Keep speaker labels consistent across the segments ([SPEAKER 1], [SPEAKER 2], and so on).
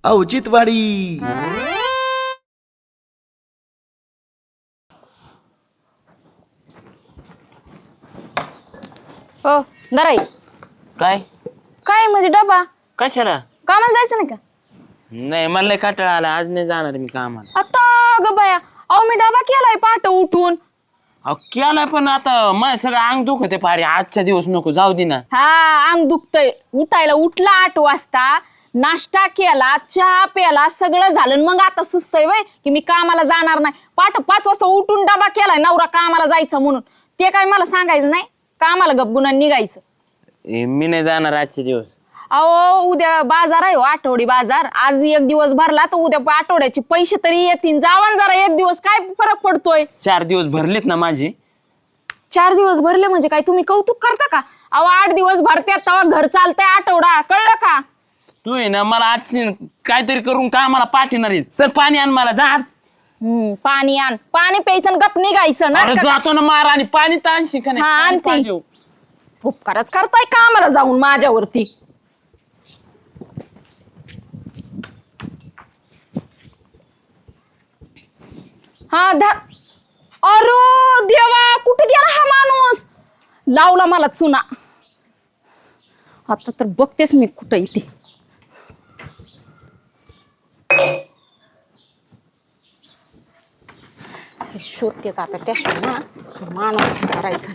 [SPEAKER 1] औचित्यवाडी.
[SPEAKER 2] हो दराई.
[SPEAKER 3] काय
[SPEAKER 2] काय म्हणजे डबा
[SPEAKER 3] कशाला?
[SPEAKER 2] कामाला जायचं नाही का?
[SPEAKER 3] नाही मला लय कंटाळा आला, आज नाही जाणार मी कामाला.
[SPEAKER 2] आता ग बाया, अहो मी डबा केलाय पहाटे उठून.
[SPEAKER 3] अहो केलाय पण आता माझं सगळं अंग दुखते पारे, आजच्या दिवस नको जाऊ दे ना.
[SPEAKER 2] हा अंग दुखतय. उठायला उठला 8 वाजता, नाश्ता केला, चहा प्याला, सगळं झालं. मग आता सुस्तय वय की मी कामाला जाणार नाही. पहाटे 5 वाजता उठून डबा केलाय नवरा कामाला जायचं म्हणून. ते काय मला सांगायचं नाही, कामाला गपगुणा निघायचं.
[SPEAKER 3] मी नाही जाणार आजचे दिवस.
[SPEAKER 2] अहो उद्या बाजार आहे हो, आठवडी बाजार. आज एक दिवस भरला तर उद्या आठवड्याचे पैसे तरी येतील. जावान जरा एक दिवस, काय फरक पडतोय.
[SPEAKER 3] 4 दिवस भरलेत ना माझे.
[SPEAKER 2] 4 दिवस भरले म्हणजे काय तुम्ही कौतुक करता का? अहो 8 दिवस भरत्यात तेव्हा घर चालतंय आठवडा, कळलं का?
[SPEAKER 3] तू आहे ना मला आज काहीतरी करून कामाला पाठवणार आहे. चल पाणी आण मला, जा.
[SPEAKER 2] पाणी आण. पाणी प्यायचं आणि गप निघायचं ना.
[SPEAKER 3] जातो ना मार, आणि पाणी तर आणशी का
[SPEAKER 2] हा,
[SPEAKER 3] नाही?
[SPEAKER 2] आणते. उपकारच करताय कामाला जाऊन माझ्यावरती. हा धर. अरे देवा, कुठे गेला हा माणूस? लावला मला चुना. आता तर बघतेस मी कुठं इथे. शोधतेच आता त्याशिवाय ना माणूस करायचा.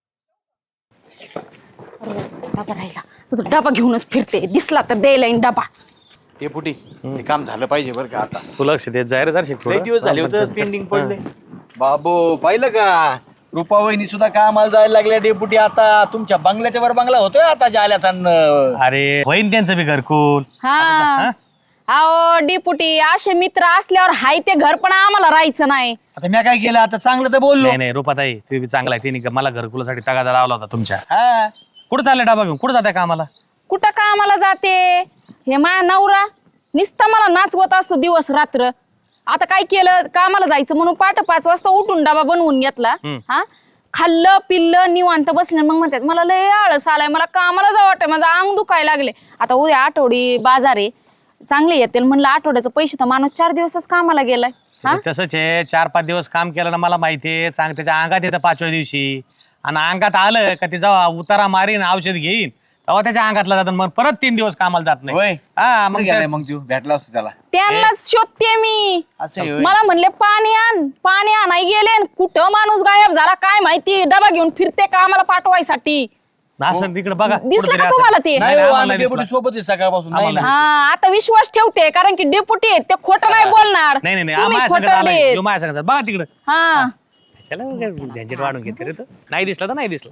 [SPEAKER 2] डबा राहिला, तो डबा घेऊनच फिरते. दिसला तर द्यायला येईन डबा.
[SPEAKER 4] ते पुटी हे काम झालं पाहिजे बरं का. आता
[SPEAKER 5] तू लक्ष देत जाय रे दर्शक.
[SPEAKER 4] लई दिवस झाले होते पेंडिंग पडले. बाबू पाहिलं का, रुपावहिनी सुद्धा कामाला जायला लागल्या डेपुटी. आता तुमच्या बंगल्याच्या वर बंगला होतोय आता जाल्याचा.
[SPEAKER 5] अरे होईन त्यांचं बी घरकुल.
[SPEAKER 2] हा अहो डिपुटी, असे मित्र असल्यावर हाय ते घर पण आम्हाला राहायचं नाही.
[SPEAKER 4] आता मी काय केलं, आता चांगलं तर बोललो.
[SPEAKER 5] नाही नाही रुपाताई, ते बी चांगला आहे. तिने मला घरकुलासाठी तगादा लावला होता तुमच्या.
[SPEAKER 4] हा
[SPEAKER 5] कुठं चालले डबा घेऊन? कुठं जाताय कामाला?
[SPEAKER 2] कुठं कामाला जाते? हे माया नवरा नुसता मला नाचवत असतो दिवस रात्र. आता काय केलं, कामाला जायचं म्हणून 5:15 वाजता उठून डबा बनवून घेतला. हा खाल्लं पिल्लं निवांत बसले. मग म्हणतात मला लय आळस आलाय, मला कामाला जावं वाटतंय, माझं अंग दुखायला लागले. आता उद्या आठवडी बाजार आहे, चांगले येतील म्हणलं. आठवड्याचं पैसे तर माणूस 4 दिवसच कामाला गेलाय.
[SPEAKER 5] तसंच आहे, 4-5 दिवस काम केलं ना, मला माहितीये. चांग त्याच्या अंगात येतं 5व्या दिवशी. आणि अंगात आलं का ते जेव्हा उतारा मारीन औषध घेईन तेव्हा त्याच्या अंगातला जातं. मग परत 3 दिवस कामाला जात नाही. हा मग
[SPEAKER 4] तू भेटला असतो त्याला.
[SPEAKER 2] त्यांनाच शोधते मी.
[SPEAKER 4] असं
[SPEAKER 2] मला म्हणले पाणी आण, पाणी आणाय गेले. कुठं माणूस गायब झाला काय माहिती. डबा घेऊन फिरते का आम्हाला पाठवायसाठी.
[SPEAKER 5] असं तिकडे बघा.
[SPEAKER 2] दिसलं का तुम्हाला ते?
[SPEAKER 4] डेपुटी सोबत आहे सकाळपासून. नाही ना.
[SPEAKER 2] हा आता विश्वास ठेवते, कारण की डेपुटी आहेत ते खोटं नाही बोलणार.
[SPEAKER 5] नाही नाही
[SPEAKER 2] तुम्ही
[SPEAKER 5] माझ्या
[SPEAKER 2] खोटं
[SPEAKER 5] संगत आलाय.
[SPEAKER 2] देत.
[SPEAKER 5] जो माझ्या संगत बघा तिकडं.
[SPEAKER 2] हा
[SPEAKER 5] चला झंझट वाढून घेते रे. तो नाही दिसला तर नाही दिसला.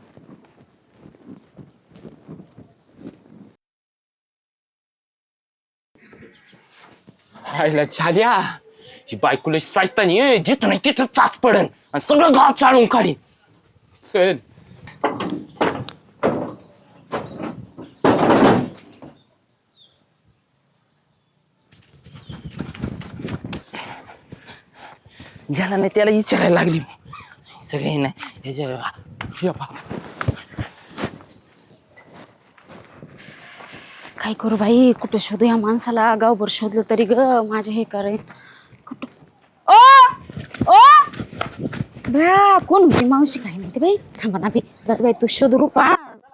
[SPEAKER 3] राहिला झाल्या ही बायकोला साजतानी जिथं नाही तिथं चाच पडन आणि सगळं गाव चालून काढीन. चल ज्याला नाही त्याला विचारायला लागली. सगळे नाही ह्याच्या
[SPEAKER 2] काय करू बाई, कुठं शोधू या माणसाला. गावभर शोधलं तरी ग माझे हे करे. कुठं ओ ओ बया, कोण होती मावशी काय माहिती बाई. थांबा ना बी, जात बाई तू शोध रूपा.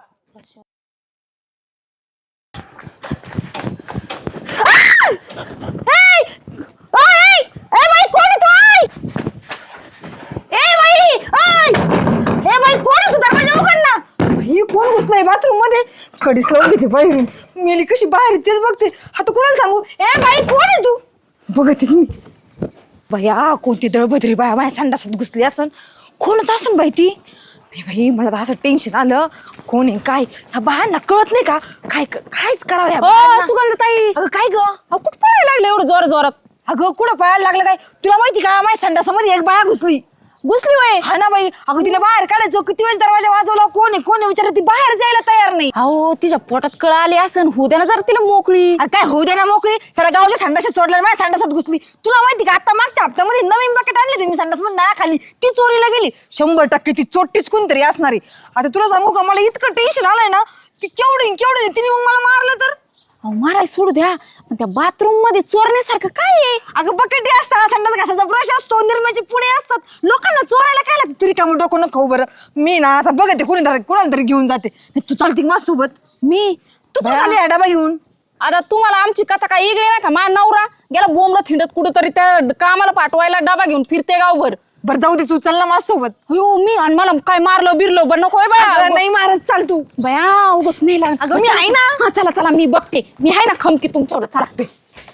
[SPEAKER 6] कोण घुसलाय बाथरूम मध्ये? कडीच लावून घेते बाहेरून. मेली कशी बाहेर तेच बघते. आता कोणाला सांगू? ए बाई कोण आहे तू? बघते मी. बाया कोणती दळभद्री बाया माझ्या संडासात घुसली असन. कोणच असन बाई ती? नाही बाई मला तर असं टेन्शन आलं. कोण आहे काय? ह्या बायांना कळत नाही का काय कायच करावं ह्या बायांना?
[SPEAKER 2] सुगंधताई,
[SPEAKER 6] अगं काय ग?
[SPEAKER 2] कुठं पळायला लागले एवढं जोर जोरात?
[SPEAKER 6] अगं कुठं पळायला लागलं काय? तुला माहिती का माझ्या संडासामध्ये एक बाया घुसली.
[SPEAKER 2] घुसली वय?
[SPEAKER 6] हा ना बाई. अगं तिला बाहेर काढायचो, किती वेळ दरवाजा वाजवला. कोण आहे विचारत, ती बाहेर जायला तयार नाही.
[SPEAKER 2] अहो तिच्या पोटात कळ आली असन, होऊ द्या ना जरा तिला मोकळी.
[SPEAKER 6] काय होऊ दे ना मोकळी. सर गावच्या संडासात सोडलं, माझ्या संडासात घुसली. तुला माहिती का आता मागच्या हप्त्यामध्ये नवीन बकेट आणली तुम्ही संडास मध्ये नळाखाली, ती चोरीला गेली. 100% ती चोट्टीच कोणतरी असणारी. आता तुला सांगू का, मला इतकं टेन्शन आलंय ना की केवढी तिने मग मला मारलं तर.
[SPEAKER 2] माराय सोडू द्या, पण त्या बाथरूम मध्ये चोरण्यासारखं काय आहे?
[SPEAKER 6] अगं बकेटी असतात, संडास घासाचा ब्रश असतो, निरम्याची पुढे असतात, लोकांना चोरायला काय लागतं? तुरी कामं डोकं नको बरं. मी ना आता बघते कोणाला तरी घेऊन जाते. तू चालती माझ्यासोबत?
[SPEAKER 2] मी
[SPEAKER 6] तू कुठं आली डबा घेऊन?
[SPEAKER 2] आता तुम्हाला आमची कथा काय इगळी नाही का? मा नवरा गेला बोंबला थिंडत कुठं तरी त्या कामाला पाठवायला डबा घेऊन फिरते गावभर.
[SPEAKER 6] बरं जाऊ दे, तू चल ना माझ्यासोबत.
[SPEAKER 2] हो मी आणि मला काय मारलं बिरलं बरं नको
[SPEAKER 6] अगं, नाही मारत, चाल तू.
[SPEAKER 2] बया उगच नाही लागत.
[SPEAKER 6] अगं, मी आहे ना.
[SPEAKER 2] हा, चला चला मी बघते, मी आहे ना खमकी तुमच्यावर. चला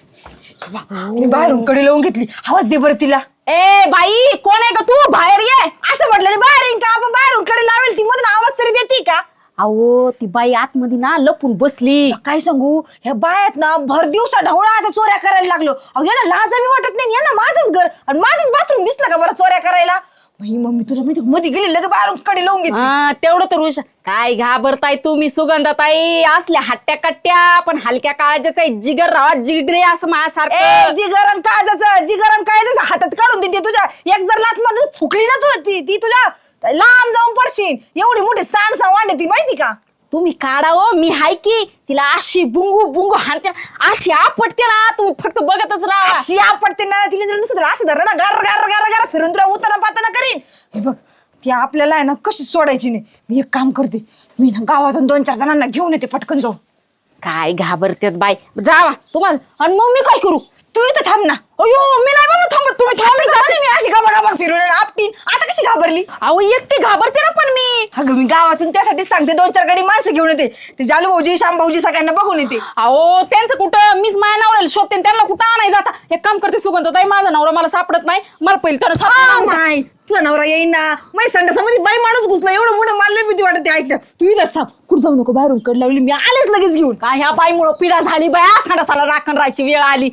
[SPEAKER 6] मी बाहेरून कडी लावून घेतली. आवाज दे बरं तिला.
[SPEAKER 2] ए बाई कोण आहे का तू? बाहेर ये.
[SPEAKER 6] असं म्हटलं बाहेर येईन का? आपण बाहेरून कडे लावेल ती, मधून आवाज तरी देते का?
[SPEAKER 2] अहो ती बाई आतमध्ये ना लपून बसली.
[SPEAKER 6] काय सांगू, ह्या बायात ना भर दिवसा ढवळा आता चोऱ्या करायला लागलो. अहो यांना लाज बी वाटत नाही. यांना माझंच घर आणि माझंच बाथरूम दिसलं का बरं चोऱ्या करायला? बाई मम्मी तुला माहिती मध्ये गेली लगे बाहेरून कडे लावून घेतली.
[SPEAKER 2] हा तेवढं तर हुशार. काय घाबरताय तुम्ही सुगंधाताई? असल्या हट्ट्या कट्ट्या पण हलक्या काळजाचा जिगर राहा जिगरे असं माझ्यासारखं.
[SPEAKER 6] जी गरम कायदाचं हातात काढून देते तुझ्या. एक जर लात मारून फुकली ना तू ती तुझ्या लांब जाऊन पडशील. एवढी मोठी सांडसा वांडे ती माहिती का?
[SPEAKER 2] तुम्ही काढा हो, मी हाय की. तिला अशी बुंगू बुंगू हाणते, अशी आपटते ना, तुम्ही फक्त बघतच राहा.
[SPEAKER 6] अशी आपटते ना, तिला जर नसतं असं धर ना गर गर गर गर फिरून तुला उताना पाताना करीन. हे बघ ती आपल्याला आहे ना कशी सोडायची नाही. मी एक काम करते, मी ना गावातून 2-4 जणांना घेऊन येते पटकन जाऊन.
[SPEAKER 2] काय घाबरतेत बाई, जावा तुम्हाला. आणि मग मी काय करू?
[SPEAKER 6] तू इथं थांब ना.
[SPEAKER 2] अयो मी नाही बाबा थांबत, तुम्ही थांबत.
[SPEAKER 6] मी अशी गाबा फिरून आपटीन. आता कशी घाबरली?
[SPEAKER 2] अहो एकटी घाबरते ना पण मी.
[SPEAKER 6] अगं मी गावातून त्यासाठीच सांगते, 2-4 गाडी माणसं घेऊन येते. ते जालू भाऊजी श्याम भाऊजी सगळ्यांना बघून येते.
[SPEAKER 2] अहो त्यांचं कुठं, मीच माझ्या नवऱ्याला शोधते आणि त्यांना कुठं आणाय जाता. एक काम करते सुगंधताई, माझा नवरा मला सापडत नाही, मला पहिलं त्यानं सापडत.
[SPEAKER 6] नाही तुझा नवरा येईन ना. माझ्या संडासामध्ये बाई माणूस घुसला, एवढं मोठं मला भीती वाटते. ऐक ना, तू इथंच थांब, कुठं जाऊ नको. बाहेरून कड लावली, मी आलेच लगेच घेऊन.
[SPEAKER 2] काय ह्या बाईमुळं पिढा झाली बाया, संडासाला राखण राहायची वेळ आली.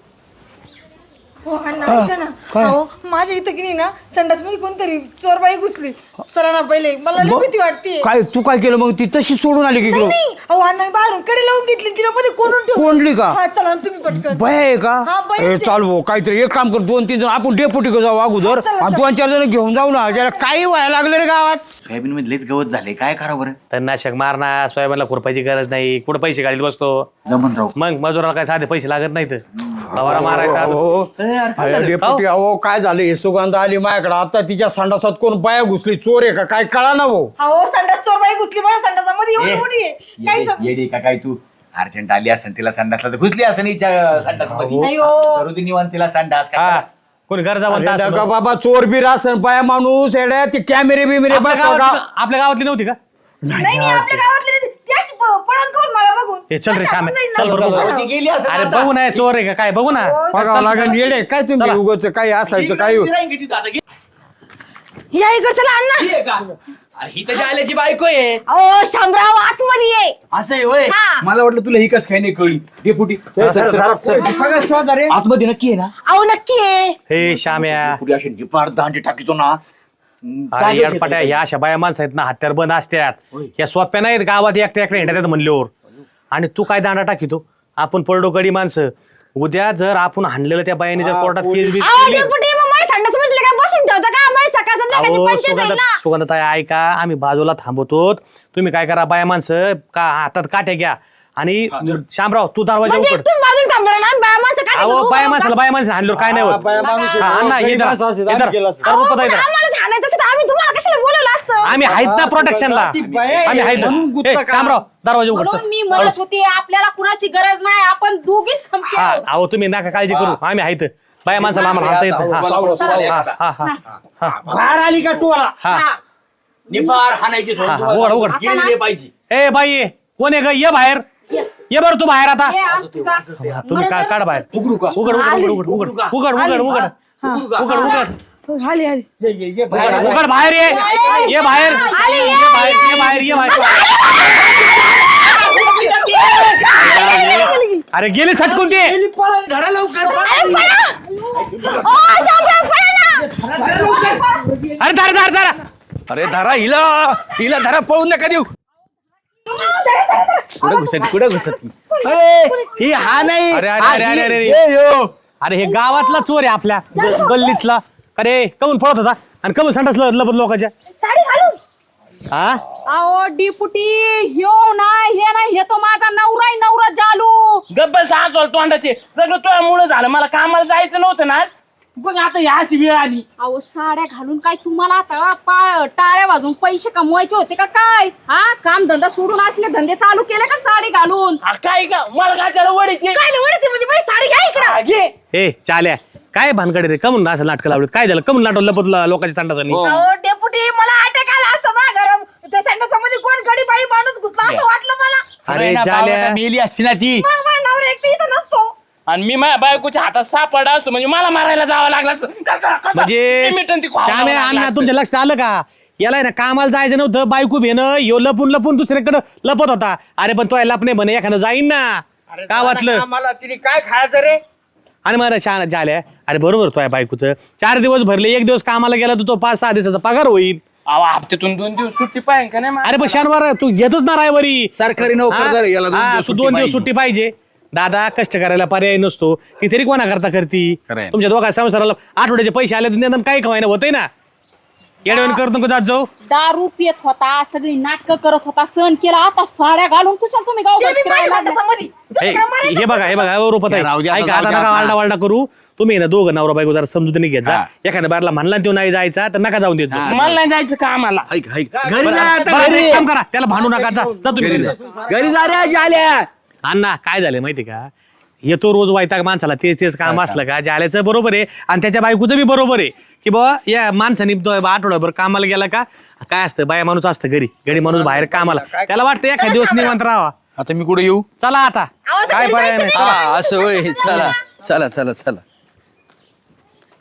[SPEAKER 6] हो अण्णा ऐका ना. अहो माझ्या इथं की नाही ना संडास मध्ये कोणतरी चोरबाई घुसली. चला ना पहिले, मला लई भीती वाटते.
[SPEAKER 1] काय तू काय केलं मग? ती तशी सोडून आली की
[SPEAKER 6] नाही नाही, अहो अण्णा मी बाहेरून कडे लावून घेतली, तिला मध्ये कोणून ठेवली.
[SPEAKER 1] कोंडली का?
[SPEAKER 6] हा चला ना तुम्ही पटकन.
[SPEAKER 1] भय आहे का?
[SPEAKER 6] हा, बाई
[SPEAKER 1] ए,
[SPEAKER 6] आहे.
[SPEAKER 1] चाल भाऊ काहीतरी एक काम कर, 2-3 जण आपण डेपुटी जाऊ अगोदर
[SPEAKER 6] चला,
[SPEAKER 1] आणि 2-4 जण घेऊन जाऊ ना. त्याला काही व्हायला लागलं रे गावात.
[SPEAKER 4] सोयाबीन मध्ये लयच गवत झाले, काय करा बरं?
[SPEAKER 5] तणनाशक मारणार, सोयाबीनला खुरपायची गरज नाही. कुठं पैसे गाडीत बसतो?
[SPEAKER 4] जमनराव
[SPEAKER 5] मग मजुराला काय साधे पैसे लागत नाहीत. फवारा मारायचा.
[SPEAKER 1] हो, अरे डेपुटी अहो काय झालं? हे सुगंध आली माझ्याकडे आता. तिच्या संडासात कोण बाया घुसली, चोर आहे का काय कळा ना भाऊ.
[SPEAKER 6] अहो संडास चोरबाई घुसली माझ्या संडासामध्ये, एवढी मोठी आहे. काय सांगू?
[SPEAKER 4] येडी का काय तू? अर्जंट आली असेल, तिला संडासला तर घुसली असेल हिच्या संडास
[SPEAKER 6] नाही हो.
[SPEAKER 4] मध्ये निवांत तिला संडास
[SPEAKER 5] हा
[SPEAKER 4] कशाला?
[SPEAKER 5] कोणी गरजा
[SPEAKER 1] अरे
[SPEAKER 5] म्हणता
[SPEAKER 1] नका बाबा, चोर बीर असन बाया माणूस येड्या. ते कॅमेरे बिमेरे
[SPEAKER 5] आपल्या गावातली नव्हती का?
[SPEAKER 6] नाही नाही, आपल्या गावातले नाही. ती अशी पळून करून मला बघून.
[SPEAKER 5] हे चल रे
[SPEAKER 6] अच्छा,
[SPEAKER 5] श्याम
[SPEAKER 6] आपण नाही
[SPEAKER 5] चल
[SPEAKER 6] ना.
[SPEAKER 5] बरोबर.
[SPEAKER 4] ती गेली असेल
[SPEAKER 5] अरे
[SPEAKER 4] आता.
[SPEAKER 5] बघू ना चोर आहे का काय बघू ना.
[SPEAKER 1] बघावं लागेल. येडे काय तुम्ही
[SPEAKER 5] चला.
[SPEAKER 1] उगाच काही असायचं काय?
[SPEAKER 4] ती राहीन का तिथं आता?
[SPEAKER 6] या इकडे चला अण्णा.
[SPEAKER 4] ही आहे का? अरे ही त्याच्या आल्याची बायको आहे.
[SPEAKER 6] अहो शामराव आतमध्ये ये.
[SPEAKER 4] असं आहे होय.
[SPEAKER 6] हा.
[SPEAKER 4] मला वाटलं तुला ही कस काय नाही कळली. डेपुटी आतमध्ये नक्की आहे ना?
[SPEAKER 6] अहो नक्की आहे.
[SPEAKER 5] हे श्याम्या
[SPEAKER 4] पुढे असे निपार दांडे टाकीतो ना.
[SPEAKER 5] अरे याडपाट्या ह्या अशा बाया माणसं आहेत ना, हत्यार बंद असतात. ह्या सोप्या नाहीत गावात एकट्या एकट्या हिंडतात म्हणल्यावर. आणि तू काय दांडा टाकीतो? आपण पडडो कडी माणसं. उद्या जर आपण हाणलेलं त्या बायाने जर कोर्टात केस बीस
[SPEAKER 6] अहो
[SPEAKER 5] केली.
[SPEAKER 6] डेपुटी मग माझ्या संडासामध्ये काय बसून ठेवता का? माझ्या सकाळ संध्याकाळची पंचायत आहे ना.
[SPEAKER 5] सुगंधताई ऐका, आम्ही बाजूला थांबवतो. तुम्ही काय करा, बाया माणसं का हातात काट्या घ्या आणि शामराव तू दरवाजा
[SPEAKER 6] म्हणजे
[SPEAKER 5] उघड.
[SPEAKER 6] तुम्ही बाजूला थांबणार ना? बाया माणसं काय
[SPEAKER 5] अहो
[SPEAKER 6] करतात?
[SPEAKER 5] बाया माणसाला बाया माणसं हाणल्यावर काय नाही होत.
[SPEAKER 1] बाया माणूस आहे.
[SPEAKER 5] हा, अण्णा ये धरा.
[SPEAKER 1] माणसं असेल,
[SPEAKER 5] ये धरा.
[SPEAKER 1] आम्ही केलं असतं.
[SPEAKER 5] धरा,
[SPEAKER 6] अहो,
[SPEAKER 5] रुपये
[SPEAKER 6] पण
[SPEAKER 5] धरा.
[SPEAKER 6] आम्हाला ठाण्याचं असतं तर आम्ही तुम्हाला कशाला बोलवलं असतं?
[SPEAKER 5] आम्ही आहेत ना प्रोटेक्शनला.
[SPEAKER 1] ती बाया आहे,
[SPEAKER 5] आम्ही आहेत
[SPEAKER 1] म्हणून गुत्ता
[SPEAKER 5] ए,
[SPEAKER 1] का?
[SPEAKER 5] शामराव दरवाजा उघड
[SPEAKER 2] म्हणून मी
[SPEAKER 5] चल.
[SPEAKER 2] म्हणत होते आपल्याला कुणाची गरज नाही, आपण दोघीच खमकी
[SPEAKER 5] हा
[SPEAKER 2] आहोत.
[SPEAKER 5] अहो तुम्ही नका काळजी करू, आम्ही आहेत. बाया माणसाला आम्हाला हाणता येत नाही. हा, हा, हा, हा.
[SPEAKER 1] बाहेर आली का तू?
[SPEAKER 5] हा.
[SPEAKER 4] निपार हाणायची धरून
[SPEAKER 5] हा,
[SPEAKER 4] तुम्हाला
[SPEAKER 5] उघड, उघड.
[SPEAKER 4] गेलेले पाहिजे.
[SPEAKER 5] ए बाई कोण आहे ग? ये बाहेर. ये बरं तू बाहेर आता.
[SPEAKER 2] हे आज तुझा-
[SPEAKER 5] हा, तुम्ही काढ बाहेर.
[SPEAKER 4] उघडू का?
[SPEAKER 5] उघड उघड उघड उघड उघड उघड उघड उघड
[SPEAKER 4] उघडू का?
[SPEAKER 5] उघड उघड
[SPEAKER 6] आली आली.
[SPEAKER 5] उघड बाहेर ये. ये बाहेर ये बाहेर ये बाहेर ये बाहेर. अरे गेली सटकून ते.
[SPEAKER 4] धरा लवकर.
[SPEAKER 6] ओ शामराव पळा ना.
[SPEAKER 5] अरे धर धर धर.
[SPEAKER 4] अरे धरा हिला हिला धरा, पळून नका देऊ. कुठे घुसत ही हा नाही.
[SPEAKER 5] अरे अरे अरे अरे अरे अरे हे गावातला चोर आहे आपल्या गल्लीतला. अरे कमून पळत होता आणि कमून संडासला लपत लोकांच्या.
[SPEAKER 6] साडी घालून.
[SPEAKER 5] हा
[SPEAKER 2] अहो डिपुटी ह्यो नाही हे नाही, हे तो माझा नवरा आहे, नवरा जालू.
[SPEAKER 3] गब्बल सासवल तोंडाचे सगळं तुझ्यामुळे झालं. मला कामाला जायचं नव्हतं ना. बघ आता या अशी वेळ आली.
[SPEAKER 2] अहो साड्या घालून काय तुम्हाला आता टाळ्या वाजून पैसे कमवायचे होते का काय? हा काम धंदा सोडून असले धंदे चालू केले का साडी घालून?
[SPEAKER 3] काय का मला कशाला वडीचे
[SPEAKER 2] काय वडते म्हणजे माझी साडी घ्या इकडं.
[SPEAKER 3] घे.
[SPEAKER 5] ए चाल्या काय भानकडे रे कमून असं नाटकं लावलं काय झालं कमून नाटक लपत लोकांच्या संडासानी
[SPEAKER 3] हो.
[SPEAKER 6] अहो डेपुटी मला अटॅक आला असता ना गरम त्या संडासामध्ये कोण गडी बाई माणूस घुसला असं वाटलं मला.
[SPEAKER 5] अरे
[SPEAKER 4] ना,
[SPEAKER 5] चाल्या
[SPEAKER 4] बावळटा मेली असती ना ती.
[SPEAKER 6] मग माझा नवरा एकटा इथं नसतो.
[SPEAKER 3] आणि मी माझ्या बायकोच्या हातात सापडा असतो म्हणजे मला मारायला जावं लागलं असतं.
[SPEAKER 5] म्हणजे श्याम्या अण्णा तुमच्या लक्षात आलं का याला ना कामाला जायचं नव्हतं बायको भेनं यो लपून लपून दुसरीकडे लपत होता. अरे पण तो लपणे म्हणे एखादं जाईन ना का वाटलं
[SPEAKER 1] मला तिने काय खायचं रे?
[SPEAKER 5] आणि मला छान झाल्या अरे बरोबर तो बायकोचं 4 दिवस भरले 1 दिवस कामाला गेला तर तो 5-6 दिवसाचा पगार होईल.
[SPEAKER 3] हप्त्यातून 2 दिवस सुट्टी पाहिजे का नाही मला?
[SPEAKER 5] अरे पण शनिवार तू घेतोच ना रायवरी
[SPEAKER 4] सरकारी नोकरदार आहे, याला 2 दिवस
[SPEAKER 5] तू
[SPEAKER 4] सुट्टी
[SPEAKER 5] 2 दिवस
[SPEAKER 4] पाहिजे.
[SPEAKER 5] सुट्टी पाहिजे. दादा कष्ट करायला पर्याय नसतो ती तरी कोणा करता करती
[SPEAKER 4] खरंय.
[SPEAKER 5] तुमच्या दोघा संसाराला आठवड्याचे पैसे आले तर निदान काही कमायना होतंय ना येडवण करतो का जात जाऊ
[SPEAKER 2] दारू पियत होता सगळी नाटकं करत होता सण केला आता साड्या घालून कुशाल तुम्ही गाव
[SPEAKER 6] ते बी माझ्या संडासामध्ये.
[SPEAKER 5] हे बघा रुपत
[SPEAKER 4] त्या राहू द्या,
[SPEAKER 5] आहे
[SPEAKER 4] आता
[SPEAKER 5] ऐका
[SPEAKER 4] जाऊ
[SPEAKER 5] आता
[SPEAKER 4] द्या
[SPEAKER 5] नका
[SPEAKER 4] आता.
[SPEAKER 5] वालडा वालडा करू तुम्ही ना दोघं नवरा बायको जरा समजून घेत जा
[SPEAKER 4] हा.
[SPEAKER 5] एखाद्या बारला म्हणला तो नाही जायचा तर नका जाऊन देत जा.
[SPEAKER 4] हा.
[SPEAKER 3] मला नाही जायचं कामाला.
[SPEAKER 4] ऐक घरी जा आता
[SPEAKER 5] बरं,
[SPEAKER 4] घरी.
[SPEAKER 5] एक काम करा त्याला भांडू नका जा जा तुम्ही घरी जा.
[SPEAKER 4] घरी जा रे जाल्या.
[SPEAKER 5] अण्णा काय झालं माहिती का येतो रोज वैताग माणसाला तेच तेच काम असलं का जाल्याचं बरोबर आहे आणि त्याच्या बायकोचं बी बरोबर आहे की बाबा या माणसाने तो आठवड्याभर कामाला गेला का काय असतं बाया माणूस असतं घरी माणूस बाहेर कामाला त्याला वाटतं एखाद दिवस निवांत राहावा.
[SPEAKER 4] आता मी कुठे येऊ?
[SPEAKER 5] चला आता
[SPEAKER 6] अहो, आता
[SPEAKER 5] काय
[SPEAKER 6] घरी
[SPEAKER 5] पर्याय
[SPEAKER 6] जायचं
[SPEAKER 5] नाही
[SPEAKER 6] नाही.
[SPEAKER 4] हा असं होय चला चला चला चला